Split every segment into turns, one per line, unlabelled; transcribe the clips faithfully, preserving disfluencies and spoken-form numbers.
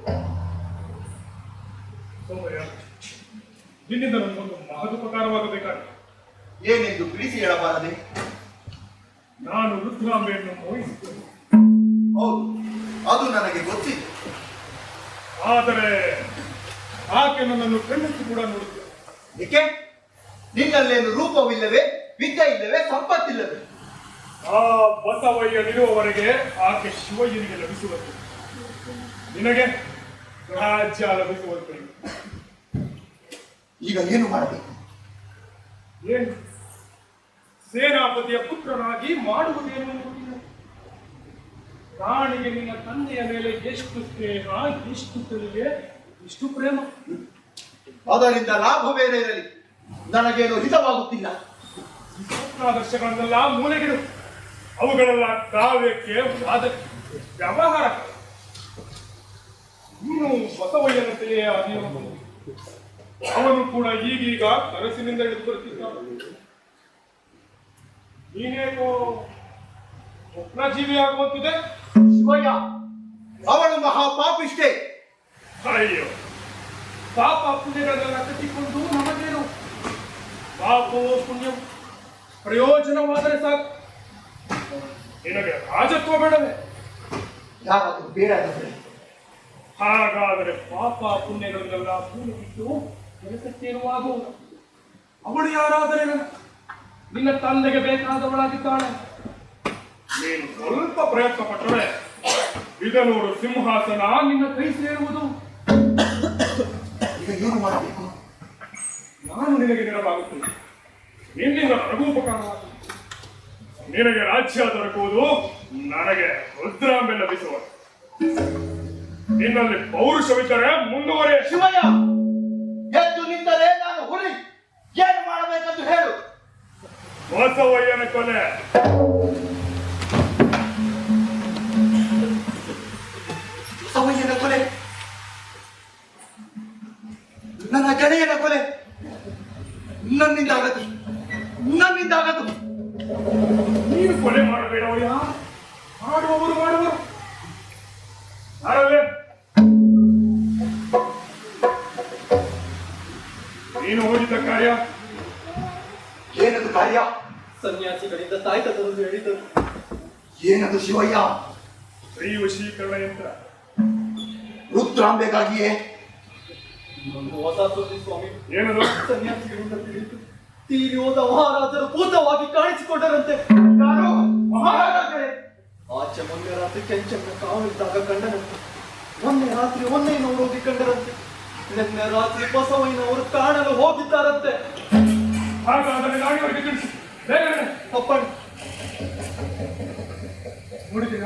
ಸೋಮಯ್ಯ, ನಿನ್ನಿಂದ ನನಗೊಂದು ಮಹದುಪಕಾರವಾಗಬೇಕಾಗಿದೆ.
ಏನೆಂದು ತಿಳಿಸಿ ಹೇಳಬಾರದೆ?
ನಾನು ರುದ್ರಾಂಬೆಯನ್ನು ಮೋಹಿಸಿದ್ದೇನೆ.
ಹೌದು, ಅದು ನನಗೆ ಗೊತ್ತಿತ್ತು.
ಆದರೆ ಆಕೆ ನನ್ನನ್ನು ಕಣ್ಣೆತ್ತಿ ಕೂಡ ನೋಡುತ್ತಿಲ್ಲ.
ಏಕೆ? ನಿನ್ನಲ್ಲೇನು ರೂಪವಿಲ್ಲವೇ, ವಿದ್ಯೆ ಇಲ್ಲವೇ, ಸಂಪತ್ತಿಲ್ಲವೇ?
ಆ ಬಸವಯ್ಯನಿರುವವರೆಗೆ ಆಕೆ ಶಿವಯ್ಯನಿಗೆ ಲಭಿಸುವಂತೆ, ನಿನಗೆ ರಾಜ್ಯ ಲಭಿಸುವಂತೆ.
ಈಗ ಏನು ಮಾಡಬೇಕು?
ಏನು? ಸೇನಾಪತಿಯ ಪುತ್ರನಾಗಿ ಮಾಡುವುದೇನು ಎನ್ನುವುದಿಲ್ಲ. ರಾಣಿಗೆ ನಿನ್ನ ತಂದೆಯ ಮೇಲೆ ಎಷ್ಟು ಸ್ನೇಹ, ಎಷ್ಟು ತಿಳಿಗೆ, ಎಷ್ಟು ಪ್ರೇಮ.
ಅದರಿಂದ ಲಾಭವೇನೇ ಇರಲಿ, ನನಗೇನು ಹಿತವಾಗುತ್ತಿಲ್ಲ.
ಸ್ವಪ್ನಾದರ್ಶಗಳನ್ನೆಲ್ಲ ಮೂಲೆಗಿಡು. ಅವುಗಳೆಲ್ಲ ಕಾವ್ಯಕ್ಕೆ, ವಾದಕ್ಕೆ, ವ್ಯವಹಾರ. ನೀನು ಬಸವಯ್ಯನಂತೆಯೇ ಅದೇನು, ಅವನು ಕೂಡ ಈಗೀಗ ಕನಸಿನಿಂದ ಹಿಡಿದು ಬರುತ್ತಿದ್ದಾನೆ. ನೀನೇನೋ ಸ್ವಪ್ನಜೀವಿ ಆಗುವಂತಿದೆ.
ಶಿವಯ್ಯ, ಅವಳು ಮಹಾಪಾಪಿಷ್ಟೇ.
ಅಯ್ಯೋ, ಪಾಪ ಪುಣ್ಯಗಳನ್ನೆಲ್ಲ ಕಟ್ಟಿಕೊಂಡು ನಮಗೇನು? ಪಾಪವೋ ಪುಣ್ಯವು ಪ್ರಯೋಜನವಾದರೆ ಸಾಕು. ನಿನಗೆ ರಾಜತ್ವ ಬೇಡವೇ?
ಯಾರಾದರೂ ಬೇಡ ಅಂದರೆ
ಹಾಗಾದರೆ ಪಾಪ ಪುಣ್ಯಗಳನ್ನೆಲ್ಲ ಪೂರ್ಣ ಬಿಟ್ಟು ಕೆಲಸಕ್ಕೇನುವಾಗುವುದು. ಅವಳು ಯಾರಾದರೆ ನನ್ನ ನಿನ್ನ ತಂದೆಗೆ ಬೇಕಾದವಳಾಗಿದ್ದಾಳೆ. ನೀನು ಸ್ವಲ್ಪ ಪ್ರಯತ್ನ ಪಟ್ಟರೆ ಇದನೂರು ಸಿಂಹಾಸನ ನಿನ್ನ ಕೈ ಸೇರುವುದು.
ಈಗ ಏನು ಮಾಡಬೇಕು?
ನಾನು ನಿನಗೆ ನೆರವಾಗುತ್ತೇನೆ. ನಿನ್ನಿಂದ ರಘುಪಕಾರವಾಗುತ್ತದೆ. ನಿನಗೆ ರಾಜ್ಯ ದೊರಕುವುದು, ನನಗೆ ರುದ್ರಾಂಬೆ ಲಭಿಸುವ. ನಿನ್ನಲ್ಲಿ ಪೌರುಷವಿದ್ದರೆ ಮುಂದುವರೆ.
ಶಿವಯ್ಯ, ಎದ್ದು ನಿಂತರೆ ನಾನು ಹುಲಿ. ಏನು ಮಾಡಬೇಕಂತ ಹೇಳು.
ಬಸವಯ್ಯನ ಕೊಲೆ
ಬಸವಯ್ಯನ ಕೊಲೆ, ನನ್ನ ಗೆಳೆಯನ ಕೊಲೆ ನನ್ನಿಂದಾಗದು, ನನ್ನಿಂದಾಗದು.
ನೀನು ಕೊಲೆ ಮಾಡಬೇಡವಯ್ಯ, ಮಾಡುವವರು ಮಾಡುವರು. ಅರವೇ, ನೀನು ಹೋಗಿದ್ದ ಕಾರ್ಯ
ಏನದು ಕಾರ್ಯ?
ಸನ್ಯಾಸಿಗಳಿಂದ ತಾಯ್ತದನ್ನು ಹೇಳಿದರು.
ಏನದು ಶಿವಯ್ಯ?
ಸ್ತ್ರೀ ವಶೀಕರಣ ಯಂತ್ರ.
ರುದ್ರಾಂಬೆಗಾಗಿಯೇ?
ಹೊಸ ಸುದ್ದಿ ಸ್ವಾಮಿ.
ಏನದು?
ಸನ್ಯಾಸಿಗಳಿಂದ ತಿಳಿಯಿತು, ತೀರಿ ಹೋದ ಮಹಾರಾಜರು ಭೂತವಾಗಿ ಕಾಣಿಸಿಕೊಂಡರಂತೆ.
ಯಾರು? ಮಹಾರಾಜರೇ?
ಆಚೆ ಮೊನ್ನೆ ರಾತ್ರಿ ಕೆಂಚನ್ನ ಕಾವಲಿದ್ದಾಗ ಕಂಡರಂತೆ. ಮೊನ್ನೆ ರಾತ್ರಿ ಒಂದೇ ನೋಡೋಗಿ ಕಂಡರಂತೆ. ನಿನ್ನೆ ರಾತ್ರಿ ಬಸವಯ್ಯನವರು ಕಾಣಲು ಹೋಗಿದ್ದಾರಂತೆ.
ಹಾಗಾದರೆ ನಾಡಿಯವರಿಗೆ ತಿಳಿಸಿ ಬೇಗನೆ.
ಅಪ್ಪಣ್ಣ,
ನೋಡಿದ್ದೀರಾ?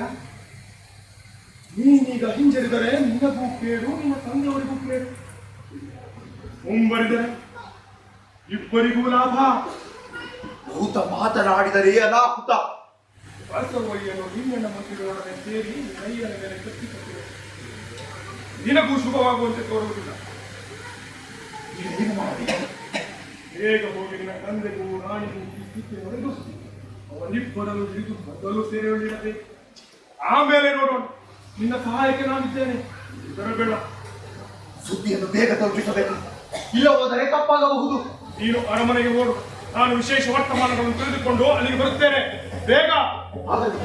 ನೀನೀಗ ಹಿಂಜರಿದರೆ ನಿನಗೂ ಕೇಳು, ನಿನ್ನ ತಂದೆಯವರಿಗೂ ಕೇಳು. ಮುಂಬರಿದರೆ ಇಬ್ಬರಿಗೂ ಲಾಭ.
ಭೂತ ಮಾತನಾಡಿದರೆ ಅನಾಹುತ.
ಬಸವಯ್ಯನು ಹಿರಿಯಣ್ಣ ಮಂತ್ರಿಗಳೊಡನೆ ಸೇರಿ ಕೈಯನ ಮೇಲೆ ಕಟ್ಟಿಕೊಟ್ಟಿದೆ. ನಿನಗೂ ಶುಭವಾಗುವಂತೆ ತೋರುವುದಿಲ್ಲ.
ಈಗ ಏನು ಮಾಡಬೇಕು?
ಬೇಗ ಹೋಗಿ ನಿನ್ನ ತಂದೆಗೂ ರಾಣಿಗೂ ಈ ಸ್ಥಿತಿ ಹೊಡೆದು ಅವರಿಬ್ಬರನ್ನು ಹಿಡಿದು ಮೊದಲು ಸೇರಿಕೊಳ್ಳಿರಬೇಕು. ಆಮೇಲೆ ನೋಡೋಣ. ನಿನ್ನ ಸಹಾಯಕ್ಕೆ ನಾನಿದ್ದೇನೆ, ಬರಬೇಡ.
ಸುದ್ದಿಯನ್ನು ಬೇಗ ತಲುಪಿಸಬೇಕು, ಇಲ್ಲ ಹೋದರೆ ತಪ್ಪಾಗಬಹುದು.
ನೀನು ಅರಮನೆಗೆ ಓಡು. ನಾನು ವಿಶೇಷ ವರ್ತಮಾನಗಳನ್ನು ತಿಳಿದುಕೊಂಡು ಅಲ್ಲಿಗೆ ಬರುತ್ತೇನೆ. ಬೇಗ.
ಆಗಲಿ.